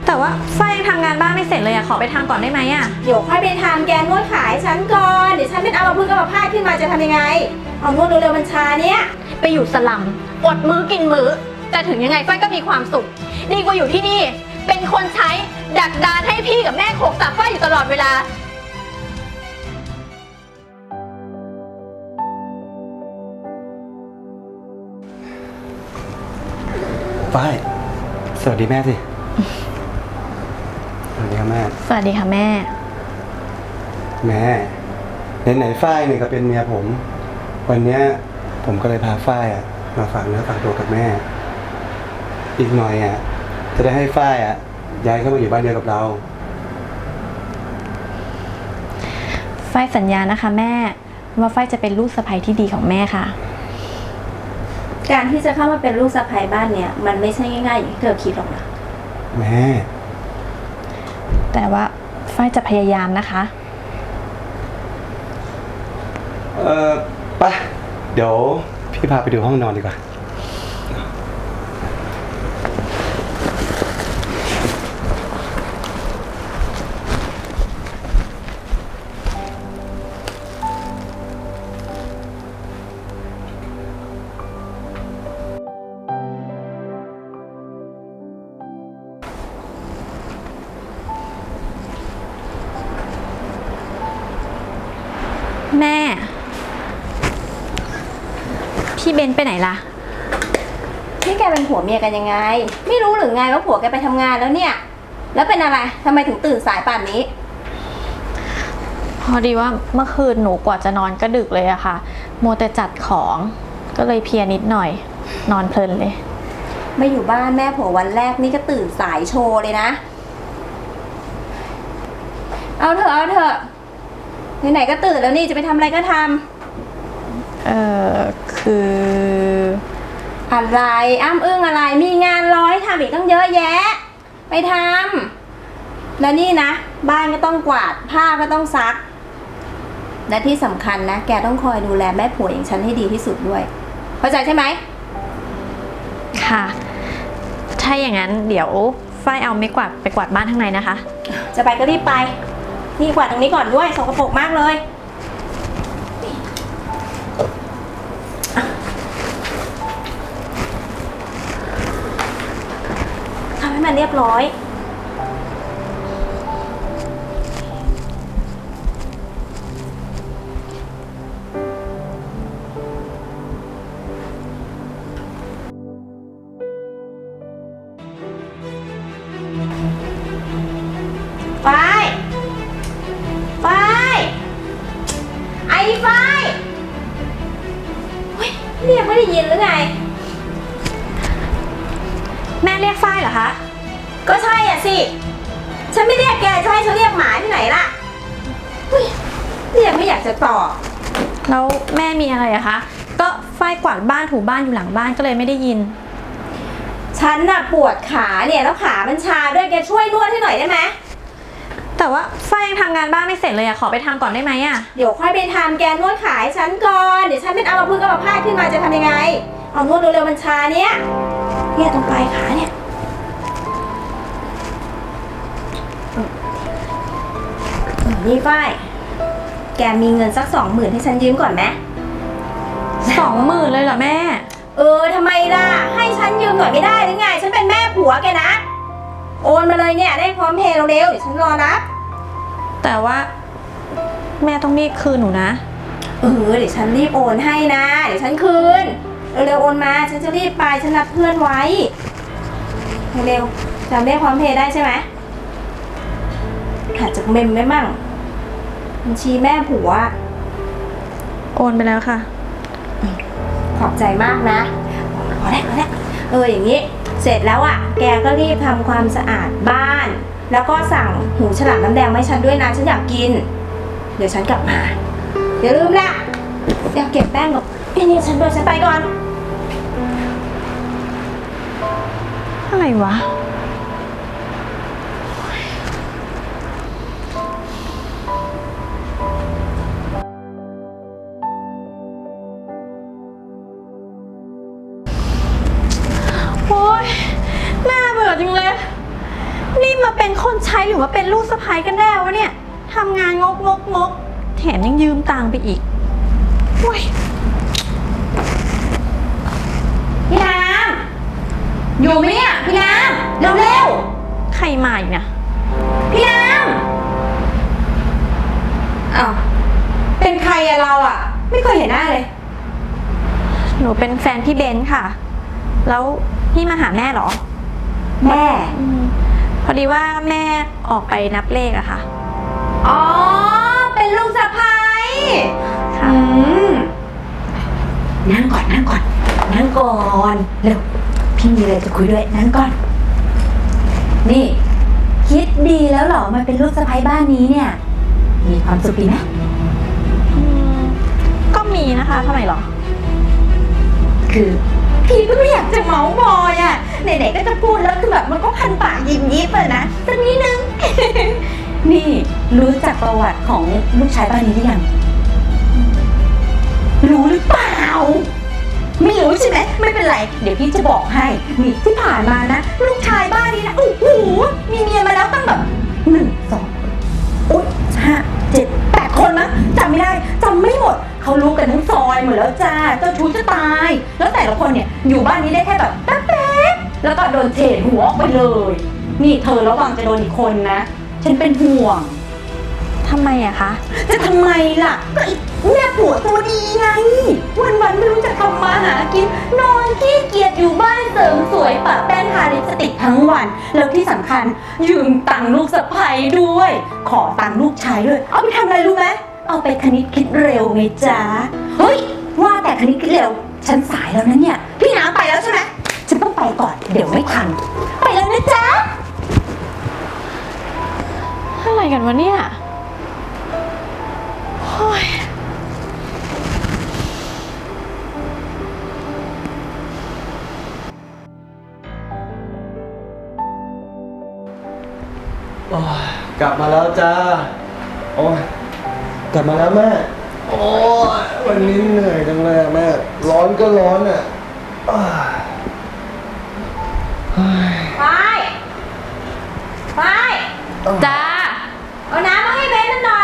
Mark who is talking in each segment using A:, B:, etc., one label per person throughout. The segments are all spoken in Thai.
A: แต่ว่าฝ้ายยังทำงานบ้านไม่เสร็จเลยอะขอไปทำก่อนได้ไหมอะ
B: เดี๋ยวค่อยไปทำแกนวดขายฉันก่อนเดี๋ยวฉันเป็นอัมพฤกษ์อัมพาตขึ้นมาจะทำยังไงเอานวดเร็วๆบัญชาเนี้ย
A: ไปอยู่สลัมอดมื้อกินมื้อแต่ถึงยังไงฝ้ายก็มีความสุขดีกว่าอยู่ที่นี่เป็นคนใช้ดักดานให้พี่กับแม่โขกสับฝ้ายอยู่ตลอดเวลา
C: ฝ้ายสวัสดีแม่สิสวัสดีครับแม่
A: สวัสดีค่ะแม่
C: แม่ไหนฝ้ายเนี่ยก็เป็นเมียผมวันเนี้ยผมก็เลยพาฝ้ายมาฝากเนื้อฝากตัวกับแม่อีกหน่อยจะได้ให้ฝ้ายย้ายเข้ามาอยู่บ้านเดียวกับเรา
A: ฝ้ายสัญญานะคะแม่ว่าฝ้ายจะเป็นลูกสะใภ้ที่ดีของแม่ค่ะ
B: การที่จะเข้ามาเป็นลูกสะใภ้บ้านเนี่ยมันไม่ใช่ง่ายๆอย่างที่เธอคิดหรอกนะ
C: แม่
A: แต่ว่าฝ้ายจะพยายามนะคะ
C: ไปเดี๋ยวพี่พาไปดูห้องนอนดีกว่า
A: แม่พี่เบนไปไหนล่ะ
B: นี่แกเป็นผัวเมียกันยังไงไม่รู้หรือไงว่าผัวแกไปทำงานแล้วเนี่ยแล้วเป็นอะไรทำไมถึงตื่นสายป่านนี้
A: พอดีว่าเมื่อคืนหนูกว่าจะนอนก็ดึกเลยอะค่ะมัวแต่จัดของก็เลยเพลียนิดหน่อยนอนเพลินเลย
B: มาอยู่บ้านแม่ผัววันแรกนี่ก็ตื่นสายโชว์เลยนะเอาเถอะไหนๆก็ตื่นแล้วนี่จะไปทำอะไรก็ท
A: ำคือ
B: อะไรอ้ำอึ้งอะไรมีงานร้อยทำอีกต้องเยอะแยะไปทำแล้วนี่นะบ้านก็ต้องกวาดผ้าก็ต้องซักและที่สำคัญนะแกต้องคอยดูแลแม่ผัวอย่างฉันให้ดีที่สุดด้วยเข้าใจใช่ไหม
A: ค่ะถ้าอย่างนั้นเดี๋ยวฝ้ายเอาไม้กวาดไปกวาดบ้านข้างในนะคะ
B: จะไปก็รีบไปนี่กวาดตรงนี้ก่อนด้วยสกปรกมากเลยทำให้มันเรียบร้อยเรียกไม่ได้ยินหรือไง
A: แม่เรียกฝ้ายเหรอคะ
B: ก็ใช่อ่ะสิฉันไม่เรียกแกจะให้ฉันเรียกหมาที่ไหนล่ะเรียกไม่อยากจะตอบ
A: แล้วแม่มีอะไรอะคะก็ฝ้ายกวาดบ้านถูบ้านอยู่หลังบ้านก็เลยไม่ได้ยิน
B: ฉันน่ะปวดขาเนี่ยแล้วขามันชาด้วยแกช่วยนวดให้หน่อยได้ไหม
A: แต่ว่าฝ้ายยังทำงานบ้านไม่เสร็จเลยอะขอไปทำก่อนได้ไหมอะ
B: เดี๋ยวค่อยไปทำแกนวดขายฉันก่อนเดี๋ยวฉันเป็นอัมพฤกษ์อัมพาตขึ้นมาจะทำยังไงเอานวดเร็วๆบัญชาเนี่ยตรงปลายขาเนี่ยนี่ฝ้ายแกมีเงินสัก20,000ให้ฉันยืมก่อนไหม
A: 20,000เลยเหรอแม่
B: ทำไมล่ะให้ฉันยืมหน่อยไม่ได้หรือไงฉันเป็นแม่ผัวแกนะโอนมาเลยเนี่ยได้พร้อมเพย์เร็วๆเดี๋ยวฉันรอรับ
A: แต่ว่าแม่ต้องรีบคืนหนูนะ
B: เดี๋ยวฉันรีบโอนให้นะเดี๋ยวฉันคืนเร็วๆโอนมาฉันจะรีบไปฉันนัดเพื่อนไว้เร็วจำได้พร้อมเพย์ได้ใช่ไหมหาจากเมมได้มั่งบัญชีแม่ผัว
A: โอนไปแล้วค่ะ
B: ขอบใจมากนะพอแล้วอย่างนี้เสร็จแล้วแกก็รีบทำความสะอาดบ้านแล้วก็สั่งหูฉลามน้ำแดงมาให้ฉันด้วยนะฉันอยากกินเดี๋ยวฉันกลับมาอย่าลืมนะอยากเก็บแป้งกับนี่ฉันด้วยฉันไปก่อน
A: อะไรวะ โอ๊ยน่าเบื่อจริงเลยนี่มันเป็นคนใช้หรือว่าเป็นลูกสะใภ้กันแน่วะเนี่ยทำงานงกแถมยังยืมตังค์ไปอีกโอ้ย
B: พี่น้ำอยู่ไหมเนี่ยพี่น้ำเร็ว
A: ใครมาอีกนะ
B: ๆพี่น้ำอ้าวเป็นใครอะเราอะไม่เคยเห็นหน้าเลย
A: หนูเป็นแฟนพี่เบนซ์ค่ะ แล้วพี่มาหาแม่เหรอ
B: แม่
A: พอดีว่าแม่ออกไปนับเลขอะค่ะ
B: อ๋อเป็นลูกสะใภ้
A: ค่ะ
B: นั่งก่อนเร็วพี่มีอะไรจะคุยด้วยนั่งก่อนนี่คิดดีแล้วเหรอมาเป็นลูกสะใภ้บ้านนี้เนี่ยมีความสุขดีไหม
A: ก็มีนะคะทำไมเหรอ
B: คือพี่ก็ไม่อยากจะเมาส์มอยอ่ะไหนๆก็จะพูดแล้วคือแบบมันก็พันปากยิ้มยิบเลยนะสักนิดนึง นี่รู้จักประวัติของลูกชายบ้านนี้หรือยังรู้หรือเปล่าไม่รู้ใช่ไหมไม่เป็นไรเดี๋ยวพี่จะบอกให้นี่ที่ผ่านมานะลูกชายบ้านนี้นะโอ้โหมีเมียมาแล้วตั้งแบบ1 2อุ๊ย5 7 8 คนมั้งจำไม่ได้จำไม่หมดเขารู้กันทั้งซอยหมดแล้วจ้าเจ้าชู้จะตาย แล้วแต่ละคนเนี่ยอยู่บ้านนี้ได้แค่แบบแป๊บๆแล้วก็โดนเฉดหัวออกไปเลย นี่เธอระวังจะโดนอีกคนนะฉันเป็นห่วง
A: ทำไมอะคะ
B: จะทำไมล่ะก็อีกแม่ผัวตัวดีไงวันๆไม่รู้จะทำมาหากินนอนขี้เกียจอยู่บ้านเสริมสวยปะแป้งทาลิปสติกทั้งวัน แล้วที่สำคัญยืมตังค์ลูกสะใภ้ด้วย ขอตังค์ลูกชายด้วยเอาไปทำอะไรรู้ไหมเอาไปคณิตคิดเร็วไงจ๊ะเฮ้ยว่าแต่คณิตคิดเร็วฉันสายแล้วนะเนี่ยพี่น้ำไปแล้วใช่ไหมฉันต้องไปก่อนเดี๋ยวไม่ทันไปแล้วนะจ๊ะ
A: อะไรกันวะเนี่ยโอ้ย
C: โอ้ยกลับมาแล้วจ้า โอ้ยกลับมาแล้วแม่ โอ้ยวันนี้เหนื่อยจังเลยอะแม่ ร้อนก็ร้อนอ่ะอ้ายเฮ้ย
B: ไป
A: จ้า
B: เอาน้ำมาให้เบนหน่อย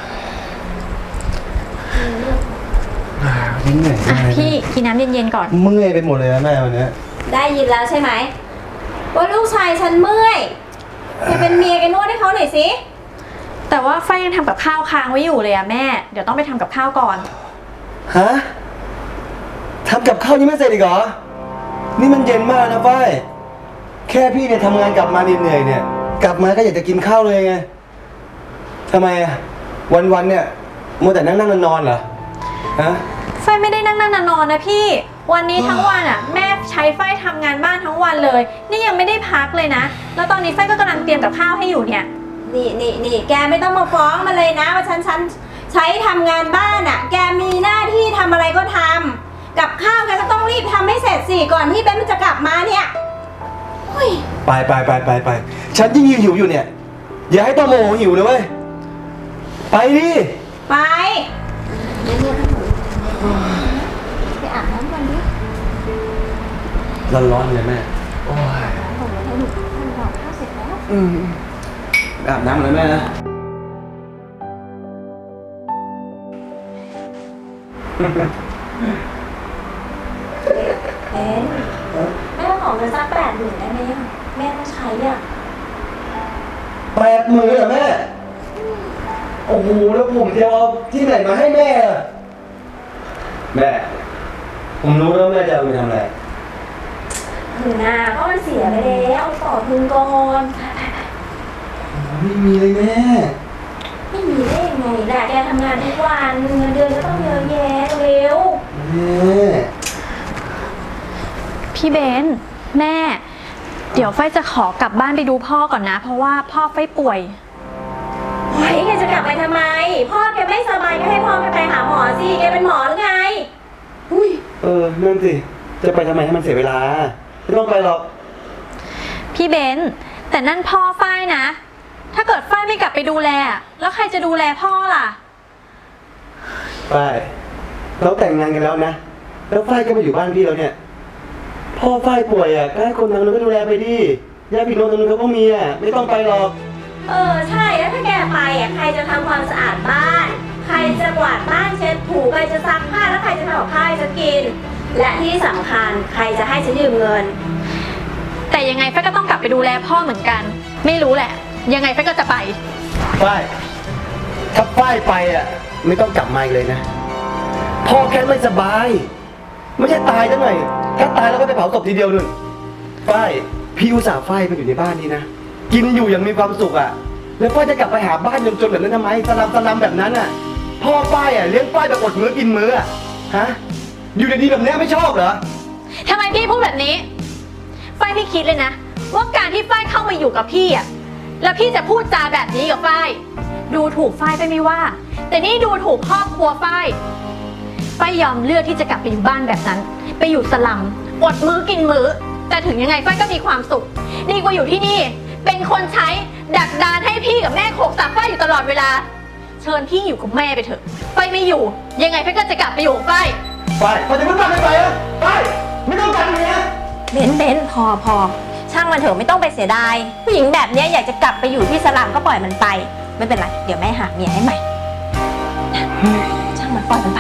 C: วันนี้เหนื่อยจั
A: อ่ะ
C: งเลย
A: พี่กินน้ำเย็นๆก่อน
C: เมื่อยไปหมดเลยนะแม่วันเนี้ย
B: ได้ยินแล้วใช่ไหมว่าลูกชายฉันเมื่อยจะเป็นเมียแกนวดให้เขาหน่อยสิ
A: แต่ว่าไฟยังทำกับข้าวค้างไว้อยู่เลยอะแม่ เดี๋ยวต้องไปทำกับข้าวก่อน
C: ฮะทำกับข้าวยังไม่เสร็จอีกเหรอ นี่มันเย็นมากนะฝ้ายแค่พี่เนี่ยทำงานกลับมาเหนื่อยๆเนี่ย กลับมาก็อยากจะกินข้าวเลยไงทำไมอะวันๆเนี่ยมัวแต่นั่งนอนๆเหรอฮะ
A: ไฟไม่ได้นั่งนอนนะพี่ วันนี้ทั้งวันอะแม่ใช้ไฟทำงานบ้านทั้งวันเลย นี่ยังไม่ได้พักเลยนะ แล้วตอนนี้ไฟก็กำลังเตรียมกับข้าวให้อยู่เนี่ย
B: นี่แกไม่ต้องมาฟ้องมาเลยนะว่าฉันใช้ทำงานบ้านอ่ะ แกมีหน้าที่ทำอะไรก็ทำกับข้าวแกก็ต้องรีบทำให้เสร็จสิก่อนที่เบนมันจะกลับมาเนี่ยเฮ้ย
C: ไปฉันยิ่งหิวอยู่เนี่ย อย่าให้ต้องโมโหหิวเลยเว้ยไปดิ
B: ไปไปอาบน้ำก่อนดิ
C: ร้อนๆเลยแม่โอ้ย
B: ผมให้หนูทำกับข้าวเสร็จแล้ว
C: อาบน้ำเลยแม่นะ
B: เบนแม่ขอเงินสัก80,000ได้ไหมอะแม่ต้องใช้อ่ะ
C: 80,000เหรอแม่ โอ้โหแล้วผมจะเอาที่ไหนมาให้แม่อะแม่ ผมรู้แล้วแม่จะเอาไปทำอะไร
B: ถึงนะก็มันเสียไปแล้วเอาต่อทุนก่อน
C: ไม่มีเลยแม่
B: ไม่มีได้ยังไงล่ะแกทำงานทุกวันเงินเดือนก็ต้องเยอะแยะเร็ว
C: แม่
A: พี่เบนแม่ เดี๋ยวไฟจะขอกลับบ้านไปดูพ่อก่อนนะ เพราะว่าพ่อไฟป่วย
B: เฮ้ยแกจะกลับไปทำไม พ่อแกไม่สบายก็ให้พ่อไปหาหมอสิแกเป็นหมอหรือไงอุ้ย
C: นั่นสิ จะไปทำไมให้มันเสียเวลา ไม่ต้องไปหรอก
A: พี่เบนแต่นั่นพ่อไฟนะ ถ้าเกิดไฟไม่กลับไปดูแลแล้วใครจะดูแลพ่อล่ะ
C: ฝ้ายเราแต่งงานกันแล้วนะ แล้วฝ้ายก็มาอยู่บ้านพี่แล้วเนี่ย พ่อฝ้ายป่วยอ่ะก็ให้คนทางนู้นก็ดูแลไปดิญาติพี่น้องตรงนู้นเขาก็มีอ่ะไม่ต้องไปหรอก
B: ใช่แล้วถ้าแกไปใครจะทำความสะอาดบ้าน ใครจะกวาดบ้านเช็ดถูใครจะซักผ้าแล้วใครจะทำกับข้าวให้ฉันกิน และที่สำคัญใครจะให้ฉันยืมเงิน
A: แต่ยังไงฝ้ายก็ต้องกลับไปดูแลพ่อเหมือนกัน ไม่รู้แหละ ยังไงฝ้ายก็จะไป
C: ฝ้ายถ้าฝ้ายไปอ่ะไม่ต้องกลับมาอีกเลยนะพ่อแค่ไม่สบายไม่ใช่ตายจังหน่อยถ้าตายแล้วก็ไปเผาศพทีเดียวนึงฝ้ายพี่อุตส่าห์ฝ้ายมาอยู่ในบ้านนี้นะกินอยู่อย่างมีความสุขอ่ะแล้วฝ้ายจะกลับไปหาบ้านจนๆแบบนั้นทำไมสลัมแบบนั้นอ่ะพ่อฝ้ายอ่ะเลี้ยงฝ้ายแบบอดมื้อกินมื้ออ่ะฮะอยู่ดีๆแบบนี้ไม่ชอบเหรอ
A: ทำไมพี่พูดแบบนี้ ฝ้ายไม่คิดเลยนะ ว่าการที่ฝ้ายเข้ามาอยู่กับพี่อะแล้วพี่จะพูดจาแบบนี้กับฝ้าย ดูถูกฝ้ายไปไม่ว่า แต่นี่ดูถูกครอบครัวฝ้ายยอมเลือกที่จะกลับไปอยู่บ้านแบบนั้น ไปอยู่สลัมอดมื้อกินมื้อ แต่ถึงยังไงฝ้ายก็มีความสุข ดีกว่าอยู่ที่นี่ เป็นคนใช้ดักดานให้พี่กับแม่โขกสับฝ้ายอยู่ตลอดเวลา เชิญพี่อยู่กับแม่ไปเถอะฝ้ายไม่อยู่ ยังไงฝ้ายก็จะกลับไปอยู่กับฝ้าย
C: ฝ้ายพอจะพูดมากไม่ไปอ่ะฝ้ายไม่ต้องการเมีย
B: เบนพอช่างมันเถอะไม่ต้องไปเสียดายผู้หญิงแบบเนี้ยอยากจะกลับไปอยู่ที่สลัมก็ปล่อยมันไป ไม่เป็นไรเดี๋ยวแม่หาเมียให้ใหม่นะช่างมันปล่อยมันไป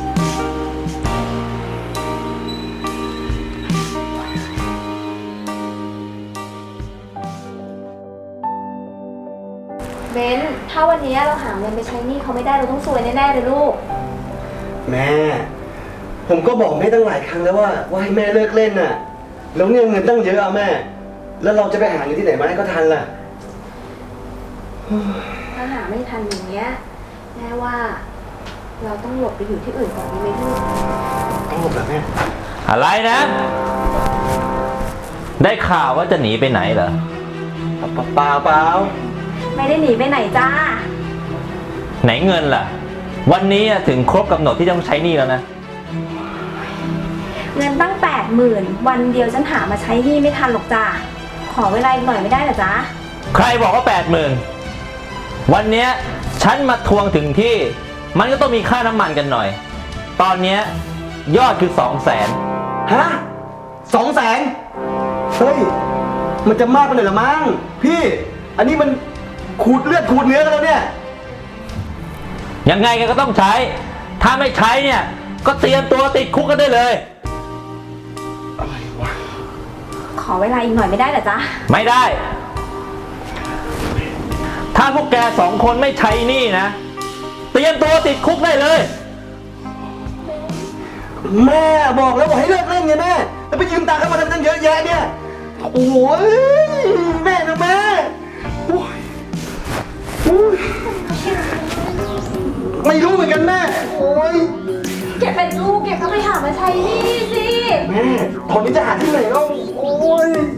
B: เบนถ้าวันนี้เราหาเงินไปใช้หนี้เขาไม่ได้เราต้องซวยแน่ๆเลยลูก
C: แม่ผมก็บอกแม่ตั้งหลายครั้งแล้วว่าให้แม่เลิกเล่นน่ะแล้วเนี่ยเงินตั้งเยอะอะแม่ แล้วเราจะไปหาเงินที่ไหนมาให้ก็ทันล่ะ
B: ถ้าหาไม่ทันอย่างเงี้ยแม่ว่าเราต้องหลบไปอยู่ที่อื่นก่อนดีไหมลูก
C: ต้องหลบเหรอแม่
D: อะไรนะ ได้ข่าวว่าจะหนีไปไหนเหรอ
C: เปล่า
B: ไม่ได้หนีไปไหนจ้า
D: ไหนเงินล่ะ วันนี้ถึงครบกำหนดที่ต้องใช้หนี้แล้วนะ
B: เงินตั้ง80,000วันเดียวฉันหามาใช้หนี้ไม่ทันหรอกจ้าขอเวลาอีกหน่อยไม่ได้เหรอจ๊ะ
D: ใครบอกว่า80,000วันเนี้ยฉันมาทวงถึงที่ มันก็ต้องมีค่าน้ำมันกันหน่อย ตอนเนี้ยยอดคือ200,000
C: ฮะ200,000เฮ้ยมันจะมากไปหน่อยละมั้งพี่อันนี้มันขูดเลือดขูดเนื้อกันแล้วเนี่ย
D: ยังไงแกก็ต้องใช้ ถ้าไม่ใช้เนี่ยก็เตรียมตัวติดคุกกันได้เลย
C: อะไรวะ
B: ขอเวลาอีกหน่อยไม่ได้เหรอจ๊ะ
D: ไม่ได้ ถ้าพวกแก2 คนไม่ใช้หนี้นะ เตรียมตัวติดคุกได้เลย
C: แม่บอกแล้วบอกให้เลิกเล่นไงแม่แล้วไปยืมตังค์เขามาทำตั้งเยอะแยะเนี่ยโอ้ยแม่นะแม่โอ้ยโอ้ยไม่รู้เหมือนกันแม่โอ้ย
B: เก็บเป็นลูกเก็บก็ไปหามาใช้หนี้สิ
C: แม่ตอนนี้จะหาที่ไหนแล้วโอ้ย